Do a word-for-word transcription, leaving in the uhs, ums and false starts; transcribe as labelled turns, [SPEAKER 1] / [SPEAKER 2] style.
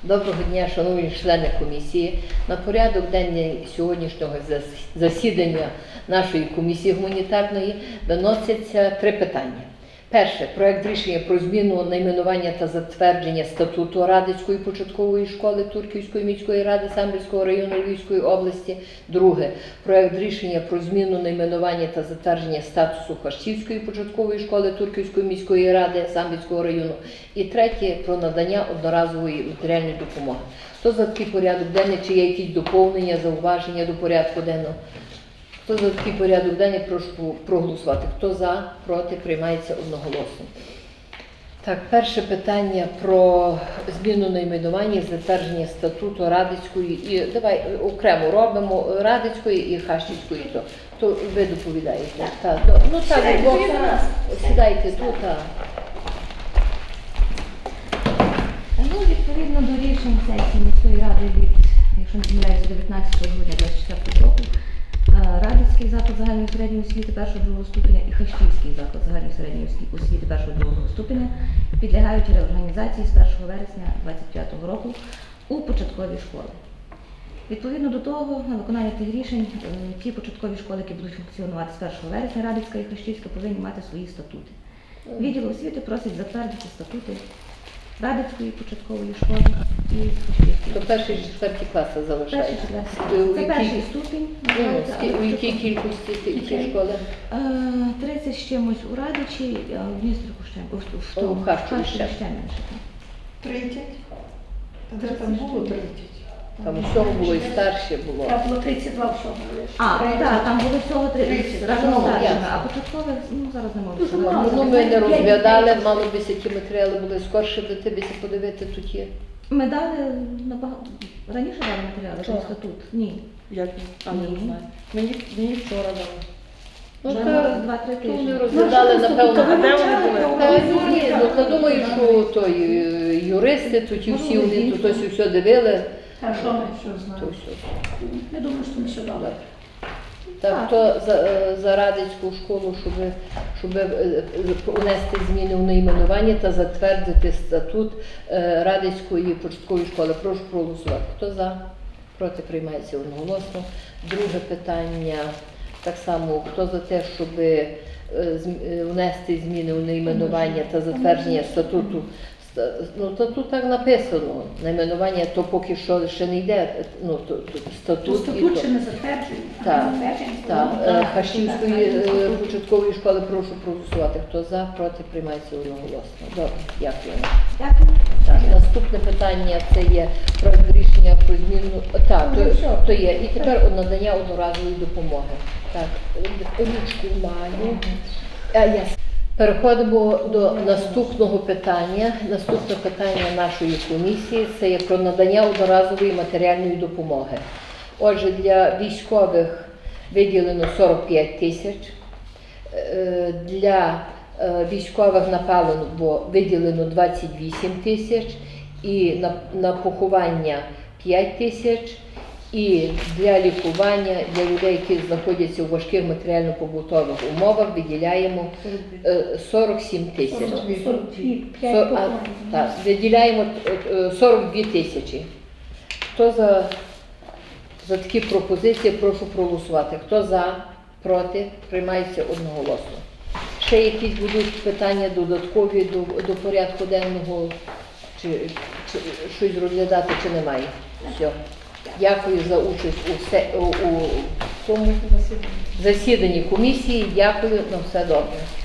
[SPEAKER 1] Доброго дня, шановні члени комісії. На порядок денний сьогоднішнього засідання нашої комісії гуманітарної виносяться три питання. Перше. Проект рішення про зміну найменування та затвердження статуту Радицької початкової школи Турківської міської ради Самбірського району Львівської області. Друге. Проект рішення про зміну найменування та затвердження статусу Хащівської початкової школи Турківської міської ради Самбірського району. І третє. Про надання одноразової матеріальної допомоги. Хто за такий порядок денний, чи є якісь доповнення, зауваження до порядку денного? Хто за такий порядок денний, прошу проголосувати. Хто за, проти, приймається одноголосно. Так, перше питання про зміну найменування, затвердження статуту Радицької, і давай окремо робимо Радицької і Хащівської. То, то ви доповідаєте. Так, то, ну так, бо, сідайте тут. Так.
[SPEAKER 2] Ну, відповідно до рішень сесії міської ради від, якщо не помиляюся, дев'ятнадцятого грудня дві тисячі двадцять четвертого року, Радицький заклад загальної середньої освіти першого-другого ступеня і Хащівський заклад загальної середньої освіти першого-другого ступеня підлягають реорганізації з першого вересня дві тисячі двадцять п'ятого року у початкові школи. Відповідно до того, на виконання тих рішень, ті початкові школи, які будуть функціонувати з першого вересня, Радицька і Хащівська, повинні мати свої статути. Відділ освіти просить затвердити статути Радицької початкової школи і Хащівської.
[SPEAKER 1] То перший, четвертий класи залишається.
[SPEAKER 2] Це перший ступінь.
[SPEAKER 1] У якій кількості ці школи?
[SPEAKER 2] тридцять з чимось у Радичі, а в Дністриху ще, в тому,
[SPEAKER 1] в Харкові ще
[SPEAKER 2] менше.
[SPEAKER 3] тридцять? Де там було тридцять?
[SPEAKER 1] Там всього було і старше було.
[SPEAKER 3] Там було тридцять два всього було.
[SPEAKER 2] А, так, там було всього тридцять, разом
[SPEAKER 1] Ну,
[SPEAKER 2] старшими,
[SPEAKER 1] ясно.
[SPEAKER 2] а початкових, ну, зараз не можу
[SPEAKER 3] Дуже
[SPEAKER 2] сказати.
[SPEAKER 3] мало.
[SPEAKER 1] Ну, ми не розглядали, мало би які матеріали були скорше до тебе подивити тут є.
[SPEAKER 2] Ми дали набагато, раніше дали матеріали,
[SPEAKER 1] Що?
[SPEAKER 2] про статут? Ні.
[SPEAKER 4] Як а не
[SPEAKER 2] Ні.
[SPEAKER 4] знаю. Мені, мені вчора дали.
[SPEAKER 1] Ну,
[SPEAKER 2] Вже
[SPEAKER 1] та,
[SPEAKER 2] два-три
[SPEAKER 1] то
[SPEAKER 2] тижні.
[SPEAKER 1] вони розглядали, напевно.
[SPEAKER 4] А де вони були?
[SPEAKER 1] Та, ні, ну, та думаю, що то і юристи, тут і всі вони тут ось все дивили.
[SPEAKER 3] А що ми що
[SPEAKER 1] То
[SPEAKER 3] знаємо?
[SPEAKER 1] все.
[SPEAKER 3] Я думаю, що ми все дали.
[SPEAKER 1] Так, то за, за Радицьку школу, щоб, щоб е, унести зміни у найменування та затвердити статут е, Радицької початкової школи. Прошу проголосувати. Хто за? Проти, приймається одноголосно. Друге питання, так само, хто за те, щоб е, зм- е, внести зміни у найменування та затвердження статуту. Ста- Ну, то тут так написано, найменування, то поки що ще не йде, ну, то, то,
[SPEAKER 3] То
[SPEAKER 1] статут. і
[SPEAKER 3] статут
[SPEAKER 1] то.
[SPEAKER 3] ще не затверджений. а
[SPEAKER 1] Так,
[SPEAKER 3] затверджений
[SPEAKER 1] Так,
[SPEAKER 3] статут.
[SPEAKER 1] е, Хащівської е, початкової школи прошу проголосувати. Хто за, проти, приймається одноголосно. Добре, дякую.
[SPEAKER 2] Дякую.
[SPEAKER 1] Так, наступне питання це є проект рішення про зміну. Так, то, то є. І тепер надання одноразової допомоги. Так, ручку маю. А, я Переходимо до наступного питання. Наступне питання нашої комісії – це є про надання одноразової матеріальної допомоги. Отже, для військових виділено сорок п'ять тисяч, е, для е, військових на паливо виділено двадцять вісім тисяч, і на, на поховання п'ять тисяч, і для лікування, для людей, які знаходяться у важких матеріально-побутових умовах, виділяємо е, сорок сім тисяч.
[SPEAKER 3] сорок дві,
[SPEAKER 1] Сор-
[SPEAKER 3] п'ять
[SPEAKER 1] а,
[SPEAKER 3] поколінь.
[SPEAKER 1] так, виділяємо е, сорок дві тисячі. Хто за, за такі пропозиції, прошу проголосувати. Хто за, проти, приймається одноголосно. Ще якісь будуть питання додаткові до, до порядку денного, чи, чи щось розглядати, чи немає? Все. Дякую за участь у, все, у, у цьому засіданні комісії. Дякую, на все добре.